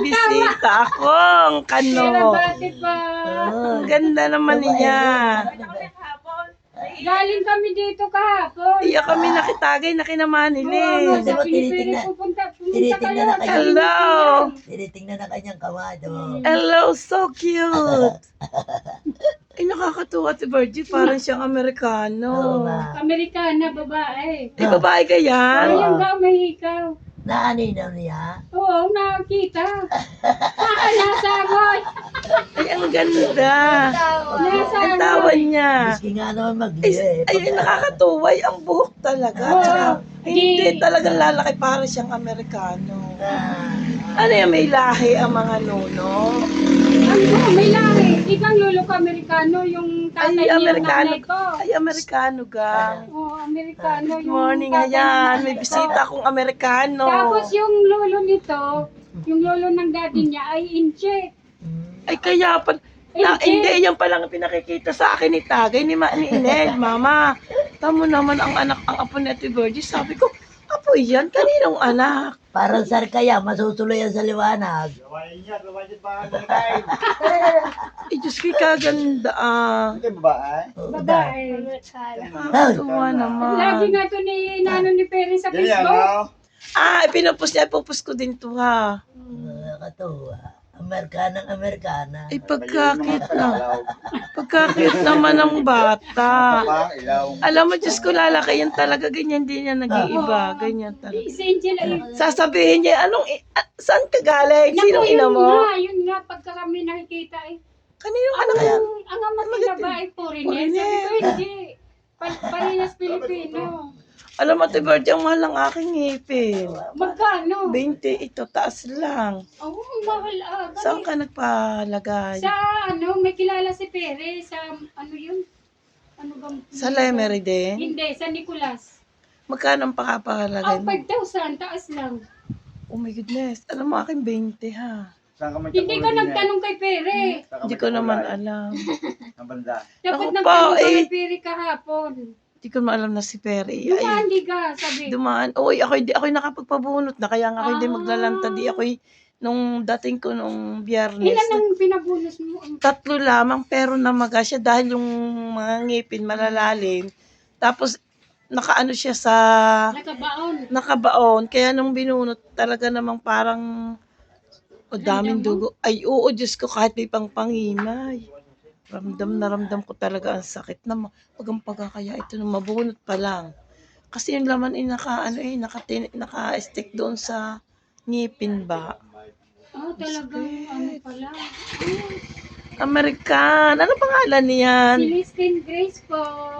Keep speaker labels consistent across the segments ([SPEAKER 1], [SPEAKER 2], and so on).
[SPEAKER 1] bisita akong kano.
[SPEAKER 2] Bati pa.
[SPEAKER 1] Ang ganda naman niya.
[SPEAKER 2] Galing kami dito kahapon.
[SPEAKER 1] Iya kami nakitagay na kinamanili.
[SPEAKER 2] Sabi ni Pere, pumunta
[SPEAKER 3] tinitingnan na
[SPEAKER 2] kayo.
[SPEAKER 3] kayo.
[SPEAKER 1] Hello.
[SPEAKER 3] Tinitingnan na kanyang kamado.
[SPEAKER 1] Hello, so cute. Ay, nakakatuwa si Virgie. Parang siyang
[SPEAKER 3] Oo
[SPEAKER 1] Amerikano.
[SPEAKER 3] nga.
[SPEAKER 2] Amerikana, babae.
[SPEAKER 1] Ay, babae ka yan?
[SPEAKER 2] Ayun daw, may ikaw.
[SPEAKER 3] Naaninaw niya.
[SPEAKER 2] Oo, nakita. Nasangoy.
[SPEAKER 1] Ay, ang ganda. Ang tawa niya.
[SPEAKER 3] Miski nga naman
[SPEAKER 1] Ay,
[SPEAKER 3] magliwe.
[SPEAKER 1] ay, nakakatuwa. Ay, ang buhok talaga.
[SPEAKER 2] Oo.
[SPEAKER 1] Hindi talagang lalaki. Parang siyang Amerikano.
[SPEAKER 3] Ah,
[SPEAKER 1] Ano yan, may lahi ang mga nuno?
[SPEAKER 2] May lahi. Ikang lolo ko Amerikano, yung tatay
[SPEAKER 1] Ay,
[SPEAKER 2] niya,
[SPEAKER 1] Amerikano.
[SPEAKER 2] nanay ko.
[SPEAKER 1] Ay, Amerikano gang.
[SPEAKER 2] Oo, Amerikano.
[SPEAKER 1] Good
[SPEAKER 2] yung
[SPEAKER 1] morning,
[SPEAKER 2] tatay ng
[SPEAKER 1] ayan.
[SPEAKER 2] nanay
[SPEAKER 1] May
[SPEAKER 2] ko.
[SPEAKER 1] bisita akong Amerikano.
[SPEAKER 2] Tapos yung lolo nito, yung lolo ng daddy niya ay Inche.
[SPEAKER 1] Ay, kaya pa. Hindi, yan palang pinakikita sa akin ni Tagay ni Ined. Mama, tamo naman ang anak, ang apo ni Ate Virgie. Sabi ko, apo yan, kaninong anak?
[SPEAKER 3] parang sar kaya, masusuloy yan sa liwanag.
[SPEAKER 1] Ay, Diyos ko, kaganda ah.
[SPEAKER 3] Oo,
[SPEAKER 2] Babae.
[SPEAKER 1] Nakakatuwa naman.
[SPEAKER 2] Lagi nga to ni Nano ni Perry sa Facebook.
[SPEAKER 1] Ah, pinupus niya, pupus ko din to ha.
[SPEAKER 3] Nakakatuwa. Amerikanang Amerikana.
[SPEAKER 1] Ay, pagkakit na. Pagkakit naman ng bata. Alam mo, Diyos ko, lalaki yan talaga. Ganyan din yan nag-iiba. Ganyan talaga.
[SPEAKER 2] Si Angel ay...
[SPEAKER 1] Sasabihin niya, saan ka galing? Sinong ina mo?
[SPEAKER 2] Yun nga, pagka kami nakikita eh.
[SPEAKER 1] Kaninong anak yan?
[SPEAKER 2] Ang ama nila ba ay foreigner? Sabi ko, hindi. Parinas Pilipino.
[SPEAKER 1] Alam mo, Ate Virgie, ang mahal ng aking ngipin.
[SPEAKER 2] Magkano?
[SPEAKER 1] 20 ito, taas lang.
[SPEAKER 2] Oo, mahal ah.
[SPEAKER 1] Saan ka nagpalagay?
[SPEAKER 2] Sa may kilala si Pere, sa ano yun? Ano bang?
[SPEAKER 1] Sa Lemery din?
[SPEAKER 2] Hindi, sa Nicolas.
[SPEAKER 1] Magkano ang pakapalagay
[SPEAKER 2] Ang
[SPEAKER 1] mo?
[SPEAKER 2] 5,000, taas lang.
[SPEAKER 1] Oh my goodness. Alam mo, aking 20 ha.
[SPEAKER 2] Hindi ka nagtanong kay Pere.
[SPEAKER 1] Hindi ko naman alam.
[SPEAKER 2] Dapat
[SPEAKER 1] Ako
[SPEAKER 2] nagtanong
[SPEAKER 1] pa,
[SPEAKER 2] ka
[SPEAKER 1] eh.
[SPEAKER 2] kay Pere kahapon.
[SPEAKER 1] Hindi ko maalam na si Perry. Ay,
[SPEAKER 2] Dumandi ka, sabi.
[SPEAKER 1] dumaan. Uy, ako'y nakapagpabunot na. Kaya nga ako'y hindi maglalanta. Di ako'y, nung dating ko nung biyernes,
[SPEAKER 2] Ilan ang pinabulos mo?
[SPEAKER 1] 3 lamang pero namaga siya dahil yung mga ngipin malalalim. Tapos nakaano siya sa
[SPEAKER 2] Nakabaon.
[SPEAKER 1] nakabaon. Kaya nung binunot talaga namang parang daming dugo. Ay oo, Diyos ko, kahit may pangpangimay. Ramdam ko talaga ang sakit na pagang pagkakaya ito nung mabunot pa lang. Kasi yung laman ay naka-stick doon sa ngipin ba.
[SPEAKER 2] Oh, talagang ano pala.
[SPEAKER 1] American. Ano pangalan niyan?
[SPEAKER 2] Si Listin Grace po.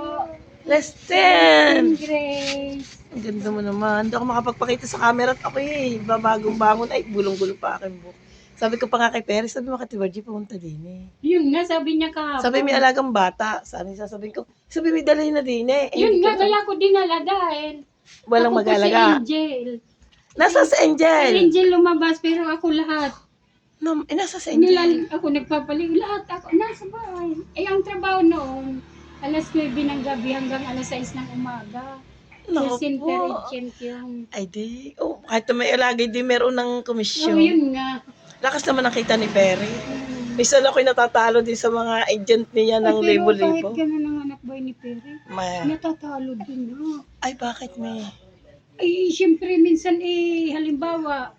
[SPEAKER 1] Leston.
[SPEAKER 2] Grace.
[SPEAKER 1] Ang ganda mo naman. Hindi ako makapagpakita sa camera at ako babagong bangon. Ay, bulong-gulo pa aking buhok. Sabi ko pa nga kay Perry, sabi mo Ate Virgie, pumunta din
[SPEAKER 2] Yun nga, sabi niya kahapon.
[SPEAKER 1] Sabi may alagang bata. Sabi ko, sabi may dalhin na din
[SPEAKER 2] Yun nga, kaya ko dinala dahil.
[SPEAKER 1] Walang
[SPEAKER 2] ako po
[SPEAKER 1] mag-alaga.
[SPEAKER 2] Si Angel.
[SPEAKER 1] Nasa si
[SPEAKER 2] Si
[SPEAKER 1] Angel.
[SPEAKER 2] Angel lumabas, pero ako lahat.
[SPEAKER 1] Nasa si Angel.
[SPEAKER 2] Ako nagpapaling, lahat ako nasa bahay. Eh, ang trabaho noon, alas 9 ng gabi hanggang alas 6 ng umaga.
[SPEAKER 1] Naku
[SPEAKER 2] Center
[SPEAKER 1] po.
[SPEAKER 2] agent yung...
[SPEAKER 1] Ay di. Oh, kahit na may alagay di meron ng
[SPEAKER 2] Oh,
[SPEAKER 1] komisyon.
[SPEAKER 2] yun nga.
[SPEAKER 1] Lakas naman nakita ni Perry. Minsan ako'y natatalo din sa mga agent niya ng
[SPEAKER 2] Pero
[SPEAKER 1] libo-libo.
[SPEAKER 2] kahit gano'n ang anak boy ni Perry, natatalo din ha.
[SPEAKER 1] Ay, bakit may?
[SPEAKER 2] Ay, siyempre minsan halimbawa,